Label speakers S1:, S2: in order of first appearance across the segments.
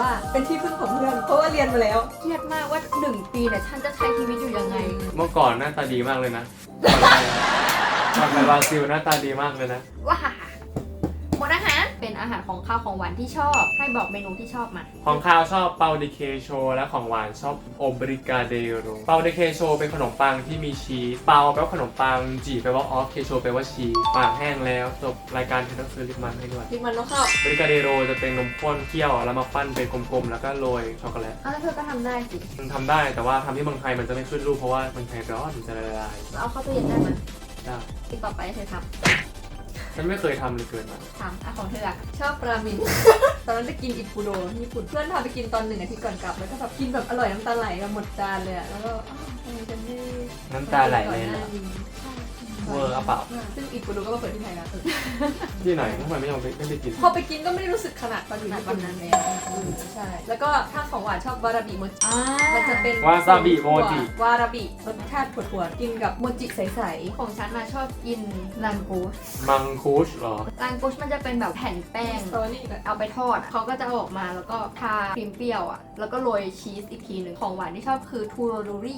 S1: ว่าเป็นที่พึ่งของเพื่อนเพราะว่าเรียนมาแล้วเครียดมากว่า1 ปีเนี่ยฉันจะใช้ชีวิตอยู่ยังไง
S2: เมื่อก่อนหน้าตาดีมากเลยนะก่อนไปบราซิลหน้าตาดีมากเลยนะ
S1: ว้าหมดอาหารเป็นอาหารของข้าวของหวานที่ชอบให้บอกเมนูที่ชอบมา
S2: ของข้าวชอบเปาดิเคโชและของหวานชอบโอบริกาเดโรเปาดิเคโชเป็นขนมปังที่มีชีสเปาแปลว่าขนมปังจีแปลว่าออฟเคโชแปลว่าชีสปากแห้งแล้วจบรายการที่ต้องซื้อลิปมันให้ด้วย
S1: ลิปมันต้องเข้า
S2: บริกาเดโรจะเป็นนมข้นเคี่ยวแล้วมาปั้นเป็นกลมๆแล้วก็โรยช็อกโกแลต
S1: แล้วเธอก็ทำได้สิ
S2: มันทำได้แต่ว่าทำที่เมืองไทยมันจะไม่ขึ้นรูปเพราะว่าเมืองไทยร้อนมันจะละลาย
S1: เอาเข้าตู้เย็นได้ไหม
S2: ได้
S1: ติดต่อไปเธอทำ
S2: ฉันไม่เคยทำเลยเกินมา
S1: ถามของเธออะชอบรามิน ตอนนั้นจะกินอิปุโดญี่ปุ่นเพื่อนพาไปกินตอน1 อาทิตย์ก่อนกลับแล้วก็แบบกินแบบอร่อยน้ำตาไหลแบบหมดจานเลยอะแล้วก็ทำไมฉันไม่
S2: น้ำตาไหลเลยเหรอเวอร์อะเปล่า
S1: ซึ่งอิปุโดก็มาเปิดที่ไทยแล้ว
S2: ที่ไหนทำไมไม่ยอมไปกิน
S1: พอไปกินก็ไม่ได้รู้สึกขนาดตอนอยู่ญี่ปุ่นนั้นเลยใช่แล้วก็ถ้าของหวานชอบวาราบิโมจิมันจะเป็น
S2: วาซาบิโมจิ
S1: วาราบิรสชาติถั่วๆกินกับโมจิใสๆของฉันมาชอบกินลังกูส
S2: มังคุชหรอ
S1: ลังกูสมันจะเป็นแบบแผ่นแป้งเอาไปทอดเขาก็จะเอาออกมาแล้วก็ทาครีมเปรี้ยวอ่ะแล้วก็โรยชีสอีกทีหนึ่งของหวานที่ชอบคือทูโรโดริ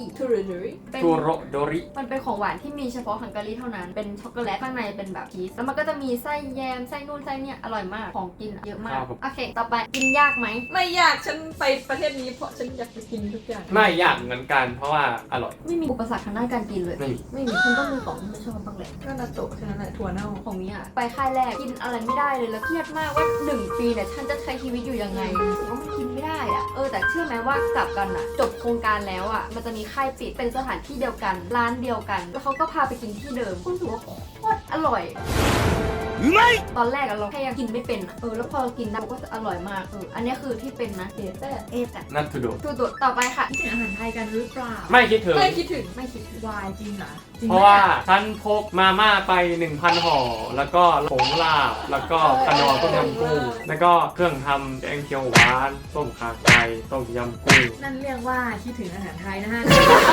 S1: มันเป็นของหวานที่มีเฉพาะฮังการีเท่านั้นเป็นช็อกโกแลตข้างในเป็นแบบชีสแล้วมันก็จะมีไส้แยมไส้นู่นไส้เนี่ยอร่อยมากของกินเยอะมากโอเคต่อไปกินยากไหมไม่ยากฉันไปประเทศนี้เพราะฉันอยากไปกินทุกอย่าง
S2: ไม่ยากเหมือนกันเพราะว่าอร่อย
S1: ไม่มีอุปสรรคทางด้านการกินเลยไม่มีฉันต้องมีของที่ไม่ชอบบ้างแหละก็นาโตะแค่นั้นแหละถั่วเน่าของนี้อ่ะไปค่ายแรกกินอะไรไม่ได้เลยแล้วเครียดมากว่า1 ปีเนี่ยฉันจะใช้ชีวิตอยู่ยังไงรู้สึกว่ามันกินไม่ได้อ่ะแต่เชื่อไหมว่ากลับกันอ่ะจบโครงการแล้วอ่ะมันจะมีค่ายปิดเป็นสถานที่เดียวกันร้านเดียวกันแล้วเขาก็พาไปกินที่เดิมรู้สึกว่าโคตรอร่อยไม่ตอนแรกเราแค่ยังกินไม่เป็นแล้วพอกินได้ก็จะอร่อยมากอันนี้คือที่เป็นนะ
S2: นัททูโด
S1: ต่อไปค่ะคิดถึงอาหารไทยกันหรือเปล่า
S2: ไม่คิดถึง
S1: วายจริงเหรอ
S2: เพราะว่าฉันพกมาม่าไป 1,000 ห่อแล้วก็ผงลาบแล้วก็ขนมต้มยำกุ้งแล้วก็เครื่องทำแกงเขียวหวานต้มข่าไก่ต้มยำกุ้ง
S1: นั่นเรียกว่าคิดถึงอาหารไทยนะฮะ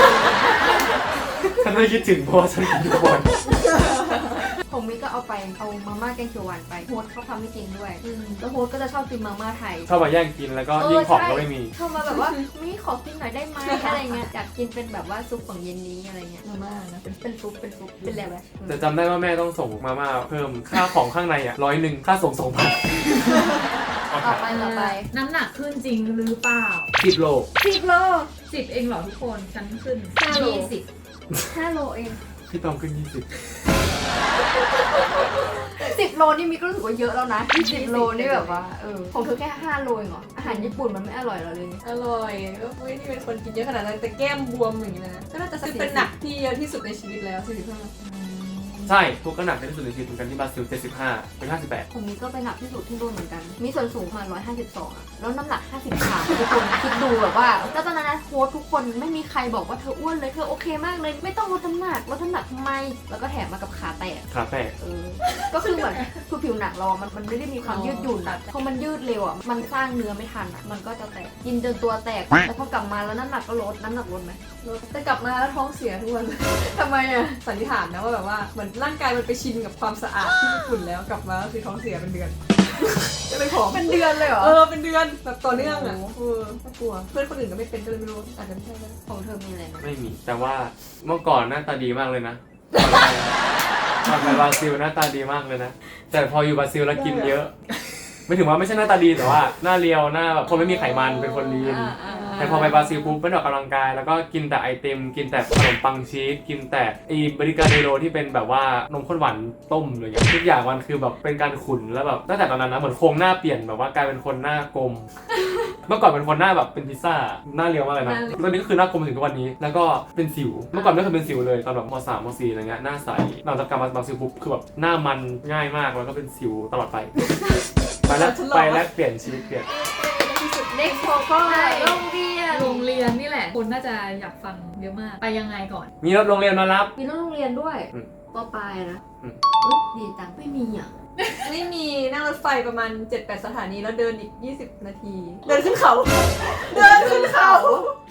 S2: ฉันไม่คิดถึงเพราะฉันกินทุกวัน
S1: ผมมิก็เอามาม่าแกงเขียวหวานไปโฮสเขาทำให้กินด้วยแล้วโฮสก็จะชอบกินมาม่าไทย
S2: ชอบมาแย่งกินแล้วก็ยิ่งของก็ไม่มี
S1: ชอบมาแบบว่ามีขอกินหน่อยได้ไหมอะไรเงี้ยอยากกินเป็นแบบว่าซุปของเย็นนี้อะไรเงี้ยมาม่านะเป็นซุปเป็นอะไรแบบ
S2: แต่จำได้ว่าแม่ต้องส่งมาม่าเพิ่มค่าของข้างใน100ข้าส่ง 2,000
S1: ต่อไปน้ำหนักขึ้นจริงหรือเปล่า
S2: 10 โล
S1: 10เองเหรอทุกคนฉันขึ้น5 โลเอง
S2: พี่ตองขึ้น20
S1: 10 โลนี่มีก็รู้สึกว่าเยอะแล้วนะ10 โลนี่แบบว่าของเธอแค่5 โลเองเหรออาหารญี่ปุ่นมันไม่อร่อยหรอเลยอร่อยก็ไม่ได้เป็นคนกินเยอะขนาดนั้นแต่แก้มบวมอย่างนี้นะก็น่าจะเป็นหนักที่เยอะที่สุดในชีวิตแล้ว45
S2: ใช่ทุกก็หนักที่สุดในชีวิตเหมือนกันที่บราซิล75เป็น58
S1: ผมนี้ก็ไปหนักที่สุดที่นู่นเหมือนกันมีส่วนสูงมา152อะแล้วน้ำหนัก53ทุกคนคิดดูแบบว่าแล้วตอนนั้นนะโค้ชทุกคนไม่มีใครบอกว่าเธออ้วนเลยเธอโอเคมากเลยไม่ต้องลดน้ำหนักทำไมแล้วก็แถมมากับขาแตกก็คือเหมือนคือผิวหนังเรามันไม่ได้มีความยืดหยุ่นอะพอมันยืดเร็วอะมันสร้างเนื้อไม่ทันอะมันก็จะแตกกินจนตัวแตกแล้วพอกลับมาแล้วน้ำหนักก็ลดน้ำหนักลดไหมลดแต่กลับมาแล้วท้องเสียทุกวันทำไมอะสันนิษฐานนะว่าแบบว่าเหมือนร่างกายมันไปชินกับความสะอาดที่ญี่ปุ่นแล้วกลับมาก็คือท้องเสียเป็นเดือนก็เลยผอมเป็นเดือนเลยเหรอเป็นเดือนแบบต่อเนื่องอ่ะน่ากลัวเพื่อนคนอื่นก็ไม่เป็นก็เลยไม่รู้อาจจะไม่ใช่ของเธอมีอะไรไหม
S2: ไม่มีแต่ว่าเมื่อก่อนหน้าตาดีมากเลยนะก่อนไปบราซิลหน้าตาดีมากเลยนะแต่พออยู่บราซิลแล้วกินเยอะไม่ถึงว่าไม่ใช่หน้าตาดีแต่ว่าหน้าเรียวหน้าแบบคนไม่มีไขมันเป็นคนลีนแต่พอไปบราซิลปุ๊บไม่ออกกำลังกายแล้วก็กินแต่ไอติมกินแต่ขนมปังชีสกินแต่บริกาเดโรที่เป็นแบบว่านมข้นหวานต้มเลยทุกอย่างมันคือแบบเป็นการขุ่นแล้วแบบตั้งแต่ตอนนั้นนะเหมือนโครงหน้าเปลี่ยนแบบว่ากลายเป็นคนหน้ากลมเมื่อก่อนเป็นคนหน้าแบบเป็นพิซซ่าหน้าเรียวมากเลยนะตอนนี้ก็คือหน้ากลมถึงทุกวันนี้แล้วก็เป็นสิวเมื่อก่อนไม่เคยเป็นสิวเลยตอนแบบม.3 ม.4 อะไรเงี้ยหน้าใสหลังจากกลับมาบราซิลปุ๊บคือแบบหน้ามันง่ายมากแล้วก็เป็นสิวตลอดไปแล้วเปลี่ยนชีวิตเปลี่ยน
S1: เด็กโคก็โรงเรียน
S3: นี่แหละคนน่าจะอยากฟังเยอะมากไปยังไงก่อน
S2: มีรถโรงเรียนมารับ
S1: มีรถโรงเรียนด้วยปลายนะดีจังไม่มีอ่ะไม่มีนั่งรถไฟประมาณ 7-8 สถานีแล้วเดินอีก20 นาทีเดินขึ้นเขา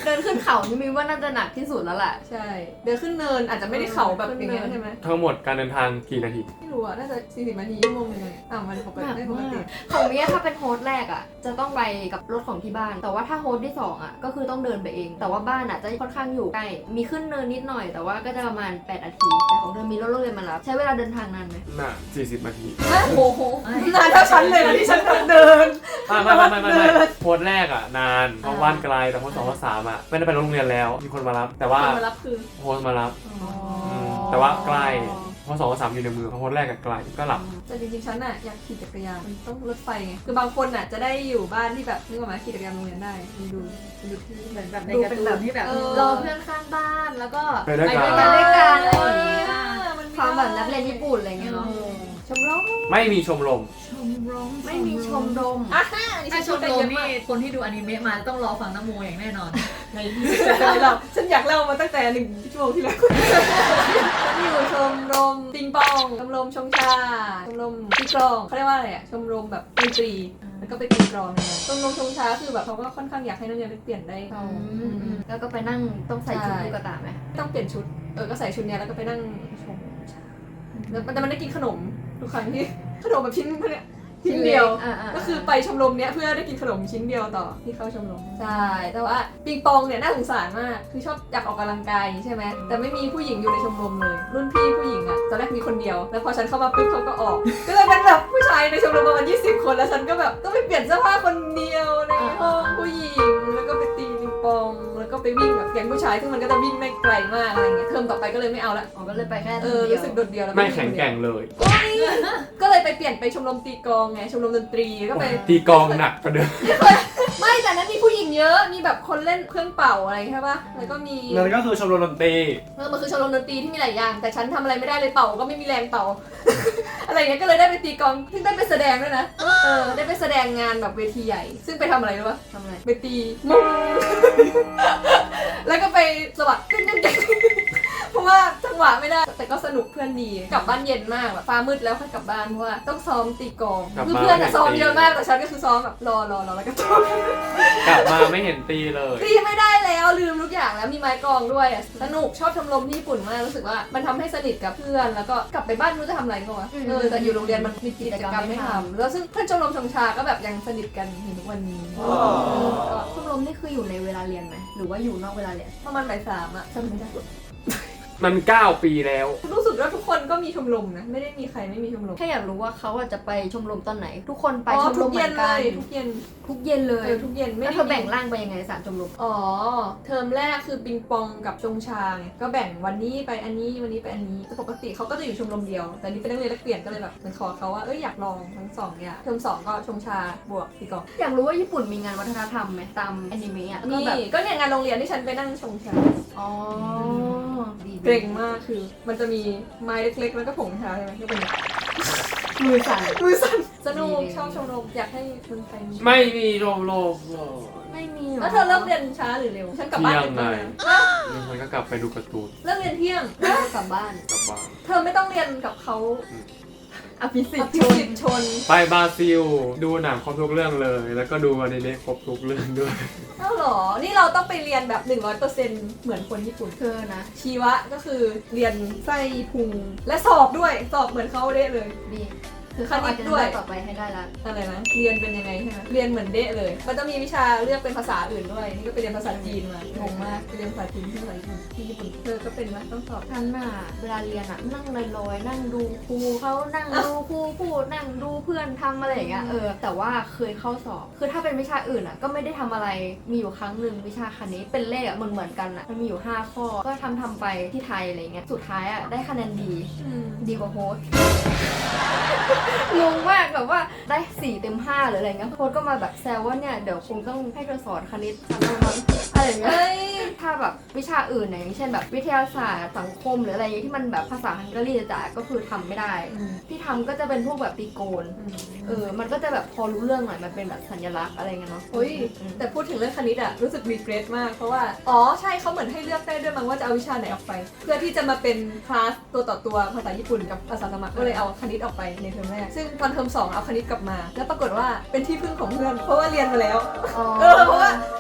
S1: เดินขึ้นเขานี่มีว่าน่าจะหนักที่สุดแล้วแหละ
S4: ใช่เดินขึ้นเนินอาจจะไม่ได้เขาแบบอย่างเงี้ยใช่ไหม
S2: ทั้งหมดการเดินทางกี่นาที
S4: ไม่รู้อ่ะน่าจะ40 นาทีชั่วโมงนึงเลยมันปกติได้ปกติ
S1: ของเมียถ้าเป็นโฮสต์แรกอ่ะจะต้องไปกับรถของที่บ้าน แต่ว่าถ้าโฮสต์ที่2อ่ะก็คือต้องเดินไปเอง แต่ว่าบ้านอ่ะจะค่อนข้างอยู่ใกล้มีขึ้นเนินนิดหน่อยแต่ว่าก็จะประมาณ8นาทีแต่ของเธอมีรถโรงเรียนมารับใช้เวลาเดินทางนานไหม
S2: น่ะ40 นาที
S4: โอ้โหนานเท่าฉันเลยนะที่ฉันเดิน
S2: ไม่โพสต์แรกอ่ะนานเพราะบ้านไกลแต่โพสต์2โพสต์3อ่ะไม่ได้ไปโรงเรียนแล้วมีคนมารับ แต่ว่า
S4: คนมารับคือ
S2: โพสต์มารับแต่ว่าใกล้โพสต์2โพสต์3อยู่ในมือเพราะโพสต์แรกอะไกลก็หลับ
S4: แต่จริงๆฉันน่ะอยากขี่จักรยานมันต้องรถไฟไงคือบางคนน่ะจะได้อยู่บ้านที่แบบนึกออกไหมขี่จักรยานโรงเรียนได้มันดูที่
S3: เหมือนแบบใน
S1: ดู
S3: การ์
S1: เป็น
S3: ตู
S1: แบบ
S3: นที่แบบ
S1: รอเพื่อนข้างบ้านแล้วก็
S2: ไปด้วยกัน
S1: ไปด้วยกันอะไรอย่างเงี้ย
S4: มัน
S1: ความแบบนักเรียนญี่ปุ่นอะไรเงี้ยเนาะชมรม
S2: ไม่มีชมรม
S3: ชมรม
S1: ไม่มีชมรม
S4: อ่ะ
S3: ถ้าชมรมนี่คนที่ดูอนิเมะมาต้องรอฟังน้ำโมอย่างแน่นอน
S4: ในที่สุดเราฉันอยากเล่ามาตั้งแต่1 ชั่วโมงที่แล้วฉันอยู่ชมรมปิงปองชมรมชงชาชมรมตีกลองเขาเรียกว่าอะไรอ่ะชมรมแบบดนตรีแล้วก็ไปตีกลองเนี่ยชมรมชงชาคือแบบเขาก็ค่อนข้างอยากให้นักเรียนได้เปลี่ยนได้
S1: แล้วก็ไปนั่งต้องใส่ชุดลูกกระตายไหม
S4: ต้องเปลี่ยนชุดก็ใส่ชุดเนี้ยแล้วก็ไปนั่งชมชาแล้วแต่มันได้กินขนมทุกครั้งที่ขนมแบบชิ้นเนี่ยชิ้นเดียว ก็คือไปชมรมเนี้ยเพื่อได้กินขนมชิ้นเดียวต่อที่เข้าชมรมใช่แต่ว่าปิงปองเนี่ยน่าสงสารมากคือชอบอยากออกกำลังกายใช่ไหมแต่ไม่มีผู้หญิงอยู่ในชมรมเลย รุ่นพี่ผู้หญิงอะตอนแรกมีคนเดียวแล้วพอฉันเข้ามาปุ๊บเขาก็ออก ก็เลยเป็นแบบผู้ชายในชมรมประมาณ20 คนแล้วฉันก็แบบต้องไปเปลี่ยนเสื้อผ้าคนเดียวในห้องผู้หญิงแล้วก็ไปตีปิงปองแล้วก็ไปวิ่งแบบแก๊งผู้ชายซึ่งมันก็จะวิ่งไม่ไกลมากอะไรเงี้ยเทอมต่อไปก็เลยไม่เอาละ
S1: อ๋อก็เลยไปแค่
S4: รู้สึกโดดเดี่ยวแล้ว
S2: ไม่แข็งแกร่งเลย
S4: ก็เลยไปเปลี่ยนไปชมรมตีกลองไงชมรมดนตรีก็ไป
S2: ตีกองหนักกว่าเดิม
S4: ไม่แต่นั้นมีผู้หญิงเยอะ มีแบบคนเล่นเครื่องเป่าอะไรใช่ปะแล้วก็มี
S2: นั่นก็คือชมรมดนตรี
S4: มันคือชมรมดนตรีที่มีหลายอย่าง แต่ฉันทำอะไรไม่ได้เลยเป่าก็ไม่มีแรงเป่า อะไรเงี้ย ก็เลยได้ไปตีกลองซึ่งได้ไปแสดงด้วยนะ ได้ไปแสดงงานแบบเวทีใหญ่ ซึ่งไปทำอะไรรู้ปะ
S1: ทำอะไร
S4: ไปตีมุง แล้วก็ไปสวัสดิ์เพราะว่าจังหวะไม่ได้ แต่ก็สนุกเพื่อนดี กลับบ้านเย็นมากแบบฟ้ามืดแล้วค่อยกลับบ้านเพราะว่าต้องซ้อมตีกลองคือเพื่อนอะซ้อมเยอะมากแต่ฉันก็คือซ้อมแบบรอแล้วก็ซ้อม
S2: กลับมาไม่เห็นตีเลย
S4: ตีไม่ได้แล้วลืมทุกอย่างแล้วมีไม้กลองด้วยอะสนุกชอบชมรมที่ญี่ปุ่นมากรู้สึกว่ามันทำให้สนิทกับเพื่อนแล้วก็กลับไปบ้านไม่รู้จะทำอะไรก็วะแต่อยู่โรงเรียนมันมีกิจกรรมให้ทำแล้วซึ่งเพื่อนชมรมชงชาก็แบบยังสนิทกันถึงทุกวันนี้ก็
S1: ชมรมนี่คืออยู่ในเวลาเรียนไหมหรือว่าอยู่นอกเวลาเรียน
S4: ประมาณบ่าย 3อะจำไม่ได้
S2: มัน9 ปีแล้ว
S4: รู้สึกว่าทุกคนก็มีชมรมนะไม่ได้มีใครไม่มีชมรม
S1: แค่อยากรู้ว่าเขาจะไปชมรมตอนไหน ทุกคนไปชมร
S4: ทุ
S1: ม
S4: ก
S1: เหมื
S4: เย็
S1: อน น
S4: เล
S1: กัน
S4: ยทุกเย็น
S1: ทุกเย็นเลย
S4: ทุกเย็นไม่
S1: แล้ว
S4: ได้
S1: เธอแบ่งร่างไปยังไง3ชมรม
S4: อ๋อเทอมแรกคือปิงปองกับชงชาไงก็แบ่งวันนี้ไปอันนี้วันนี้ไปอันนี้แต่ปกติเขาก็จะอยู่ชมรมเดียวแต่นี่เป็นนักเรียนแลกเปลี่ยนก็เลยแบบเหมันขอเขาว่าอยากลองทั้งสองอย่างเทอม2ก็ชงชาบวกตีกลอง
S1: อยากรู้ว่าญี่ปุ่นมีงานวัฒนธรรมไหมตามแอนิเมะอ่ะก็
S4: นี่
S1: แบบ
S4: ก็เนี่ยงานโรงเรียนที่ฉันไปนั่งชงชา
S1: อ๋อดี
S4: เกรงมากคือ มันจะมีไม้เล็กๆแล้วก็ผงชาใช่ไหมก็เป็น
S1: มือสั่น
S4: มือสั่นสนุก
S1: ดี
S4: ชอบชมรมอยากให้คนไทยมี
S2: ไม่มีชมรม
S1: ไม่มีหรอ
S4: แล้วเธอเริ่มเรียนช้าหรือเร็วฉันกลับบ้าน
S2: เที่ย
S4: ดึ
S2: ง
S4: ก
S2: ไง
S4: แล้วนะ
S2: แล้วมันก็กลับไปดูการ์ตูน
S4: เลิกเรียนเที่ยง
S1: กลับบ้าน
S2: กลับบ้าน
S4: เธอไม่ต้องเรียนกับเขา
S1: อภิสิท
S4: อ
S1: ธิ์
S4: ภิ
S1: ชน
S4: สิทธิ์ชน
S2: ไปบราซิล ดูหนังครบทุกเรื่องเลย แล้วก็ดูอนิเมะครบทุกเรื่องด้วย
S4: เอ้าเหรอ นี่เราต้องไปเรียนแบบ 100%เหมือนคนญี่ปุ่น
S1: เธอนะ
S4: ชีวะก็คือเรียนไส้พุงและสอบด้วยสอบเหมือนเขาเด้เลย
S1: ดีคือเขาอาจจะ
S4: ด้วย
S1: ต่อไปให้ได้ละ
S4: อะไรนะเรียนเป็นยังไงใช่ไหมเรียนเหมือนเดะเลยก็จะมีวิชาเลือกเป็นภาษาอื่นด้วยนี่ก็ไปเรียนภาษาจีนมางงมากไปเรียนภาษาจีนที่ไหนที่ญี่ปุ่นเธอก็เป็นไหมต้องสอบ
S1: ฉันน่ะเวลาเรียนอะนั่งลอยๆนั่งดูครูเขานั่งดูครูพูดนั่งดูเพื่อนทำอะไรอย่างเงี้ยแต่ว่าเคยเข้าสอบคือถ้าเป็นวิชาอื่นอะก็ไม่ได้ทำอะไรมีอยู่ครั้งหนึ่งวิชาคณิตเป็นเลขอะเหมือนกันอะมันมีอยู่5ข้อก็ทำไปที่ไทยอะไรเงี้ยสุดท้ายอะได้คะแนนดีกว่าโฮสต์ งงมากแบบว่าได้4 เต็ม 5หรืออะไรเงี้ยโค้ชก็มาแบบแซวว่าเนี่ยเดี๋ยวคงต้องให้เธอสอนคณิตชั้นละมั้งอะไรอย่างเงี้ยถ้าแบบวิชาอื่นอย่างเช่นแบบวิทยาศาสตร์สังคมหรืออะไรอย่างเงี้ยที่มันแบบภาษาฮังการีจ๋าก็คือทำไม่ได้ที่ทำก็จะเป็นพวกแบบตีโกนมันก็จะแบบพอรู้เรื่องหน่อยมันเป็นแบบสัญลักษณ์อะไรเงี้ยเนาะ
S4: โอ้ยแต่พูดถึงเรื่องคณิตอะรู้สึกรีเกรสมากเพราะว่าใช่เขาเหมือนให้เลือกได้ด้วยมั้งว่าจะเอาวิชาไหนออกไป เพื่อที่จะมาเป็นคลาสตัวต่อตัวภาษาญี่ปุ่นกับภาษาสมัครก็เลยเอาคณิตออกไปในเทอมแรกซึ่งตอนเทอม2เอาคณิตกลับมา แล้วปรากฏว่าเป็นที่พึ่งของเพื่อนเพราะว่าเรียนมาแล้วเพราะว่า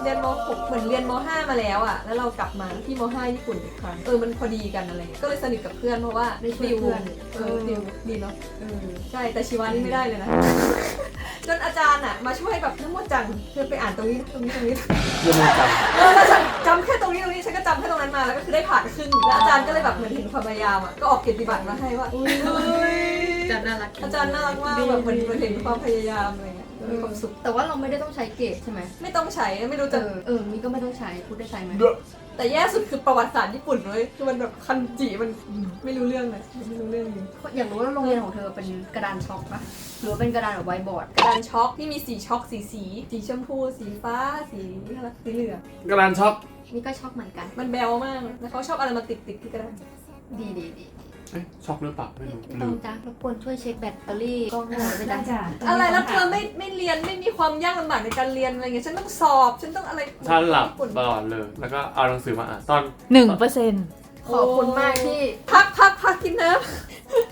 S4: เรียนม .6 เหมือนเรียนม .5 มาแล้วอ่ะแล้วเรากลับมาที่ม .5 ญี่ปุ่นอีกครั้งมันพอดีกันอะไรเงี้ยก็เลยสนิทกับเพื่อนเพราะว่า
S1: ได้ช่วยเพื่อน
S4: ติวดีเนาะใช่แต่ชีวานี่ไม่ได้เลยนะ จนอาจารย์อ่ะมาช่วยแบบน้ำมดจังเธอไปอ่านตรงนี้ตรงนี้
S2: เรื่องมันจำ
S4: แล้วฉันจำแค่ตรงนี้ฉันก็จำแค่ตรงนั้นมาแล้วก็คือได้ผ่านครึ่งแล้วอาจารย์ก็เลยแบบเหมือนเห็นความพยายามอ่ะก็ออกเกียรติบัตรมาให้ว่า
S3: จันน่ารัก
S4: อาจารย์น่ารักมากแบบเหมือนเห็นความพยายามอะไรเงี้ยมีความสุข
S1: แต่ว่าเราไม่ได้ต้องใช้เกรดใช่ไหม
S4: ไม่ต้องใช้ไม่รู้จะ
S1: มีก็ไม่ต้องใช้พูดได้ใช้ไหม
S4: แต่แย่สุดคือประวัติศาสตร์ญี่ปุ่นเลยคือมันแบบคันจิมันไม่รู้เรื่องเลยไม่รู้เรื่องจริง
S1: อยากรู้ว่าโรงเรียนของเธอเป็นกระดานช็อกปะหรือว่าเป็นกระดานแบบไวท์บอร์ด
S4: กระดานช็อกที่มีสีช็อกสีชมพูสีฟ้าสีอะไรสีเหลือง
S2: กระดานช็อก
S1: นี่ก็ช็อกเหมือนกัน
S4: มันแบวมากแล้วเขาชอบอะไรมาติดที่กระดาน
S1: ดี
S2: เอ๊ะช็อกหรือเปล่าไม่รู้
S1: ต้
S2: ลื
S1: อง
S2: ม
S1: จ้ารบกวนช่วยเช็คแบตเตอรี่กล้องหน่อยไปจ้ะ
S4: อะไรแล้วเธอไม่เรียนไม่มีความยากลำบากในการเรียนอะไรเงี้ยฉันต้องสอบฉันต้องอะไร
S2: ฉันหลับ
S4: ญี่ปุ่น
S2: ตลอดเลย แล้วก็เอาหนังสือมาอ่านตอน
S3: 1%
S1: ขอบคุณมากที่
S4: พักกินน้ำ